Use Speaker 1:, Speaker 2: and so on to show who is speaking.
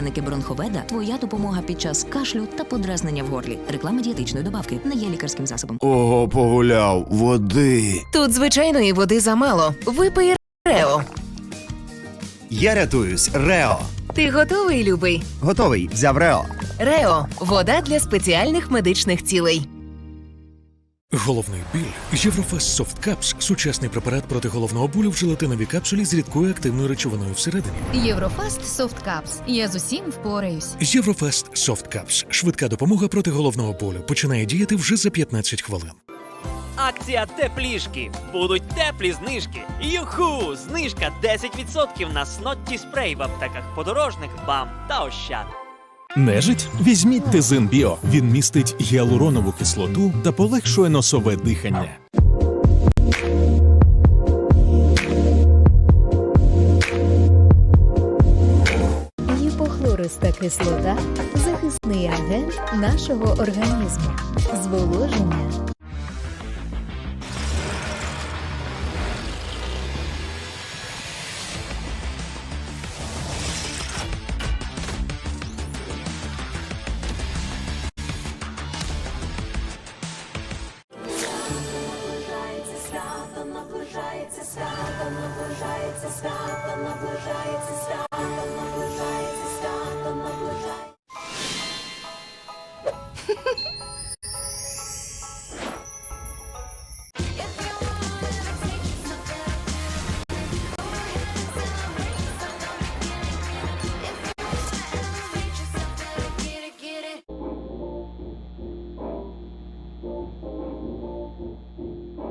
Speaker 1: Пряники Бронховеда – твоя допомога під час кашлю та подразнення в горлі. Реклама дієтичної добавки не є лікарським засобом.
Speaker 2: Ого, погуляв. Води.
Speaker 3: Тут звичайної води замало. Випий Рео.
Speaker 2: Я рятуюсь. Рео.
Speaker 3: Ти готовий, любий?
Speaker 2: Готовий. Взяв Рео.
Speaker 3: Рео – вода для спеціальних медичних цілей.
Speaker 4: Головний біль. Єврофест Soft Caps – сучасний препарат проти головного болю в желатиновій капсулі з рідкою активною речовиною всередині.
Speaker 5: Єврофаст Soft Caps. Я з усім впораюсь.
Speaker 4: Єврофест Soft Caps – швидка допомога проти головного болю. Починає діяти вже за 15 хвилин.
Speaker 6: Акція теплішки. Будуть теплі знижки. Юху! Знижка 10% на снотті спрей в аптеках подорожних, БАМ та Ощад.
Speaker 7: Нежить? Візьміть Тезин Біо. Він містить гіалуронову кислоту та полегшує носове дихання.
Speaker 8: Гіпохлориста кислота – захисний агент нашого організму. Зволоження.
Speaker 9: Наближається свято.